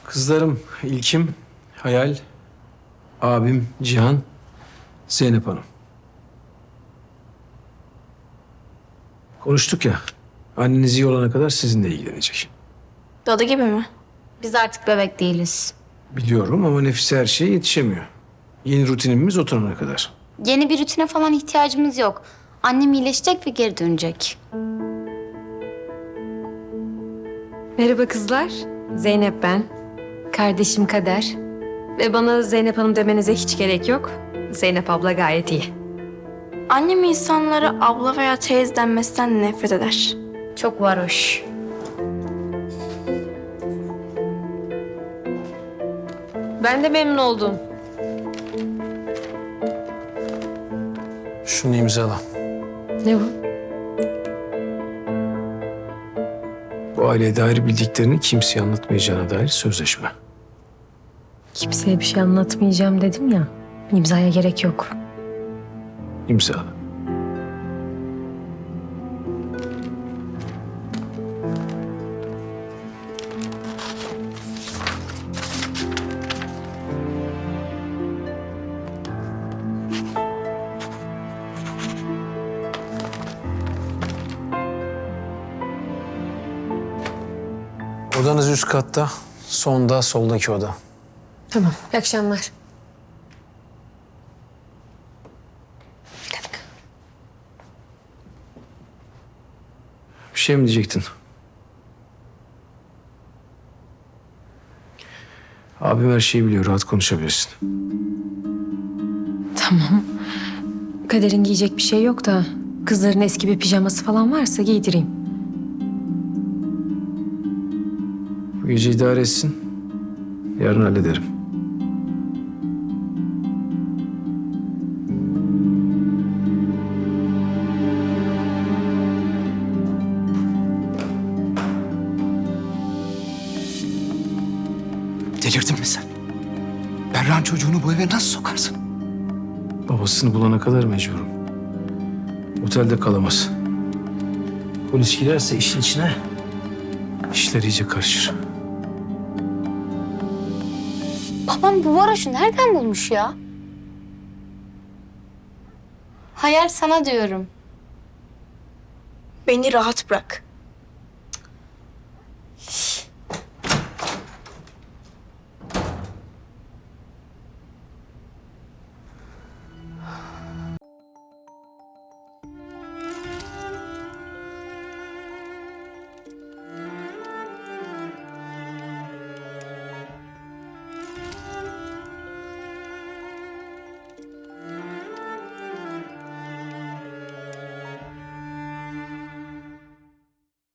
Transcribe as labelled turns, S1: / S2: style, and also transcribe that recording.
S1: Kızlarım İlkim, Hayal, abim Cihan, Zeynep Hanım. Konuştuk ya, anneniz iyi olana kadar sizinle ilgilenecek.
S2: Dadı gibi mi?
S3: Biz artık bebek değiliz.
S1: Biliyorum ama Nefise her şeye yetişemiyor. Yeni rutinimiz oturana kadar.
S3: Yeni bir rutine falan ihtiyacımız yok. Annem iyileşecek ve geri dönecek.
S4: Merhaba kızlar. Zeynep ben. Kardeşim Kader. Ve bana Zeynep Hanım demenize hiç gerek yok. Zeynep abla gayet iyi.
S2: Annem insanlara abla veya teyze denmesinden nefret eder.
S3: Çok varoş.
S4: Ben de memnun oldum.
S1: Şunu imzala.
S4: Ne bu?
S1: Bu aileye dair bildiklerini kimseye anlatmayacağına dair sözleşme.
S4: Kimseye bir şey anlatmayacağım dedim ya. İmzaya gerek yok.
S1: İmzala. Odanız üst katta, sonda soldaki oda.
S4: Tamam. İyi akşamlar.
S1: Bir şey mi diyecektin? Abim her şeyi biliyor, rahat konuşabilirsin.
S4: Tamam. Kader'in giyecek bir şey yok da kızların eski bir pijaması falan varsa giydireyim.
S1: Bu gece idare etsin, yarın hallederim.
S5: Delirdin mi sen? Berra'nın çocuğunu bu eve nasıl sokarsın?
S1: Babasını bulana kadar mecburum. Otelde kalamaz. Polis girerse işin içine işler iyice karışır.
S3: Babam bu varoşu nereden bulmuş ya? Hayal sana diyorum.
S2: Beni rahat bırak.